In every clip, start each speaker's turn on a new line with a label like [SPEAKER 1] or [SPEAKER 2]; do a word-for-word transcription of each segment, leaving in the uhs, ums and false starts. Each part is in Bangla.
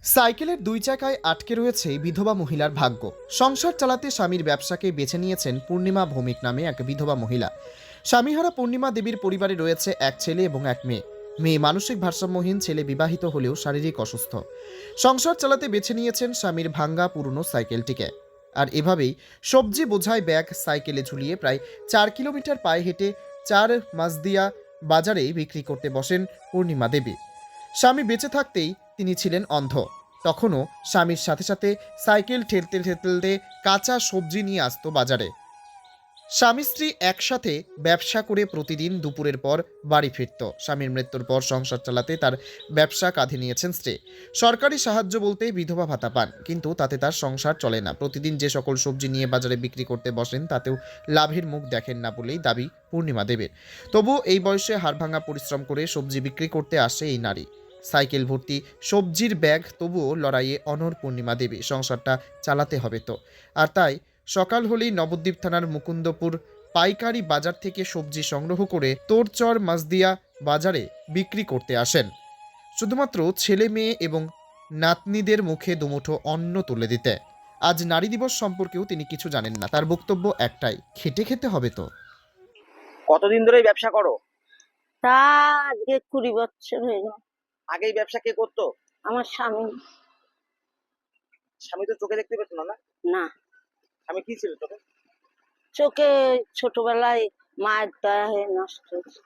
[SPEAKER 1] সাইকেলের দুই চাকায় আটকে রয়েছে বিধবা মহিলার ভাগ্য। সংসার চালাতে স্বামীর ব্যবসাকে বেছে নিয়েছেন পূর্ণিমা ভৌমিক নামে এক বিধবা মহিলা। স্বামীহারা পূর্ণিমা দেবীর পরিবারে রয়েছে এক ছেলে এবং এক মেয়ে। মেয়ে মানসিক ভারসাম্যহীন, ছেলে বিবাহিত হলেও শারীরিক অসুস্থ। সংসার চালাতে বেছে নিয়েছেন স্বামীর ভাঙ্গা পুরনো সাইকেলটিকে। আর এভাবেই সবজি বোঝাই ব্যাগ সাইকেলে ঝুলিয়ে প্রায় চার কিলোমিটার পায়ে হেঁটে চার মাসদিয়া বাজারে বিক্রি করতে বসেন পূর্ণিমা দেবী। স্বামী বেঁচে থাকতেই তিনি ছিলেন অন্ধ। তখনও স্বামীর সাথে সাথে সাইকেল ঠেলতে ঠেলতে কাঁচা সবজি নিয়ে আসতো বাজারে। স্বামী স্ত্রী একসাথে ব্যবসা করে প্রতিদিন দুপুরের পর বাড়ি ফিরত। স্বামীর মৃত্যুর পর সংসার চালাতে তার ব্যবসা কাঁধে নিয়েছেন স্ত্রী। সরকারি সাহায্য বলতে বিধবা ভাতা পান, কিন্তু তাতে তার সংসার চলে না। প্রতিদিন যে সকল সবজি নিয়ে বাজারে বিক্রি করতে বসেন তাতেও লাভের মুখ দেখেন না বলেই দাবি পূর্ণিমা দেবের। তবু এই বয়সে হাড়ভাঙা পরিশ্রম করে সবজি বিক্রি করতে আসে এই নারী। সাইকেল ভর্তি সবজির ব্যাগ, তবুও লড়াইয়ে অনড় পূর্ণিমা দেবী। সংসারটা চালাতে হবে তো। আর তাই সকাল হলেই নবদ্বীপ থানার মুকুন্দপুর পাইকারি বাজার থেকে সবজি সংগ্রহ করে তোরচর মাসদিয়া বাজারে বিক্রি করতে আসেন, শুধুমাত্র ছেলে মেয়ে এবং নাতনিদের মুখে দুমুঠো অন্ন তুলে দিতে। আজ নারী দিবস সম্পর্কেও তিনি কিছু জানেন না। তার বক্তব্য একটাই, খেটে খেতে হবে তো।
[SPEAKER 2] কতদিন ধরে এই ব্যবসা করো?
[SPEAKER 3] তা আজকে কুড়ি বছর হয়ে গেল।
[SPEAKER 2] আগে এই ব্যবসা কে করতো?
[SPEAKER 3] আমার স্বামী।
[SPEAKER 2] স্বামী তো চোখে দেখতে পেত না? না,
[SPEAKER 3] না,
[SPEAKER 2] স্বামী কি ছিল চোখে?
[SPEAKER 3] চোখে ছোটবেলায় মায়ের দয়া হয়ে নষ্ট হয়েছে।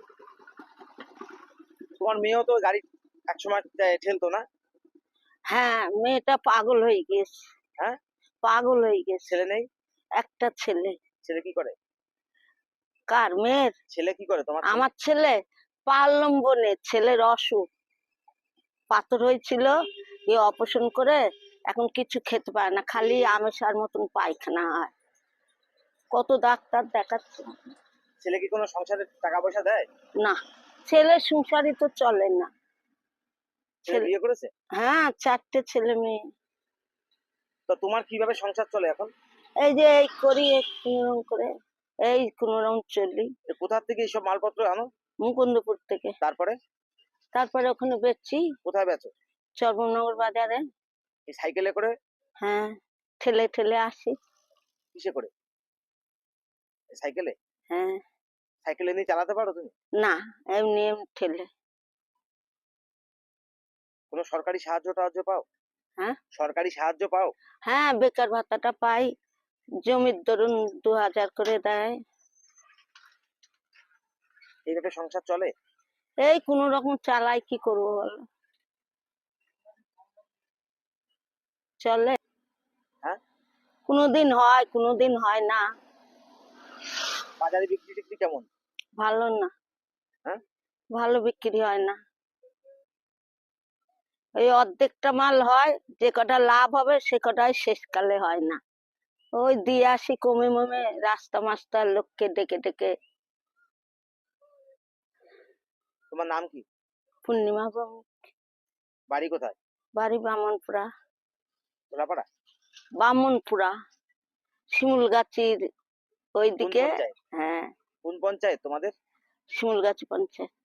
[SPEAKER 2] তোমার মেয়েও তো গাড়ি একসময় টে- ঠেলতো না?
[SPEAKER 3] হ্যাঁ, মেয়েটা পাগল হয়ে গেছে।
[SPEAKER 2] হ্যাঁ,
[SPEAKER 3] পাগল হয়ে গেছে।
[SPEAKER 2] ছেলে নেই?
[SPEAKER 3] একটা ছেলে।
[SPEAKER 2] ছেলে কি করে?
[SPEAKER 3] কার? মেয়ের?
[SPEAKER 2] ছেলে কি করে তোমার?
[SPEAKER 3] আমার ছেলে পালম্বনে, ছেলের অসুখ, পাথর হয়েছিল, এ অপারেশন করে এখন কিছু খেতে পারে না, খালি আমেশার মতন পায়খানা হয়। কত ডাক্তার দেখাচ্ছে।
[SPEAKER 2] ছেলে কি কোনো সংসারে টাকা পয়সা দেয়?
[SPEAKER 3] না, ছেলের সংসারই তো চলে না।
[SPEAKER 2] ছেলে
[SPEAKER 3] ছেলে-
[SPEAKER 2] বিয়ে করেছে?
[SPEAKER 3] হ্যাঁ, চারটে ছেলে মেয়ে।
[SPEAKER 2] তো তোমার কিভাবে সংসার চলে এখন?
[SPEAKER 3] এই যে এই করি কোনোরকম করে, এই কোনোরকম চলি।
[SPEAKER 2] এ কোথা থেকে এইসব মালপত্র আনো?
[SPEAKER 3] মুকুন্দপুর থেকে।
[SPEAKER 2] তারপরে
[SPEAKER 3] তারপরে ওখানে বেচছি
[SPEAKER 2] কোথায় বেচো?
[SPEAKER 3] চর্মনগর বাজারে।
[SPEAKER 2] এই সাইকেলে করে?
[SPEAKER 3] হ্যাঁ, ঠেলে ঠেলে আসি।
[SPEAKER 2] কিসে করে? এই সাইকেলে?
[SPEAKER 3] হ্যাঁ।
[SPEAKER 2] সাইকেলে নিয়ে চালাতে পারো তুমি?
[SPEAKER 3] না, এমনি এমনি ঠেলে।
[SPEAKER 2] কোনো সরকারি সাহায্য টাহায্য পাও?
[SPEAKER 3] হ্যাঁ।
[SPEAKER 2] সরকারি সাহায্য পাও?
[SPEAKER 3] হ্যাঁ, বেকার ভাতাটা পাই। জমির ধরুন দু হাজার করে দেয়।
[SPEAKER 2] এইভাবে সংসার চলে?
[SPEAKER 3] এই কোন রকম চালাই, কি করবো বলো? চলে।
[SPEAKER 2] হ্যাঁ,
[SPEAKER 3] কোনোদিন হয়, কোনোদিন হয় না।
[SPEAKER 2] বাজারে বিক্রি টিক্রি কেমন?
[SPEAKER 3] ভালো না।
[SPEAKER 2] হ্যাঁ,
[SPEAKER 3] ভালো বিক্রি হয় না। ওই অর্ধেকটা মাল হয়, যে কটা লাভ হবে সে কটাই শেষকালে হয় না। ওই দিয়ে আসি কমে মমে, রাস্তা মাস্টার লোককে ডেকে ডেকে।
[SPEAKER 2] তোমার নাম কি?
[SPEAKER 3] পূর্ণিমা ভৌমিক।
[SPEAKER 2] বাড়ি কোথায়?
[SPEAKER 3] বাড়ি বামনপুরা।
[SPEAKER 2] তোলাপাড়া?
[SPEAKER 3] বামনপুরা, শিমুলগাছির
[SPEAKER 2] কোন
[SPEAKER 3] ওইদিকে।
[SPEAKER 2] পঞ্চায়েত?
[SPEAKER 3] হ্যাঁ,
[SPEAKER 2] কোন পঞ্চায়েত তোমাদের?
[SPEAKER 3] শিমুলগাছি পঞ্চায়েত।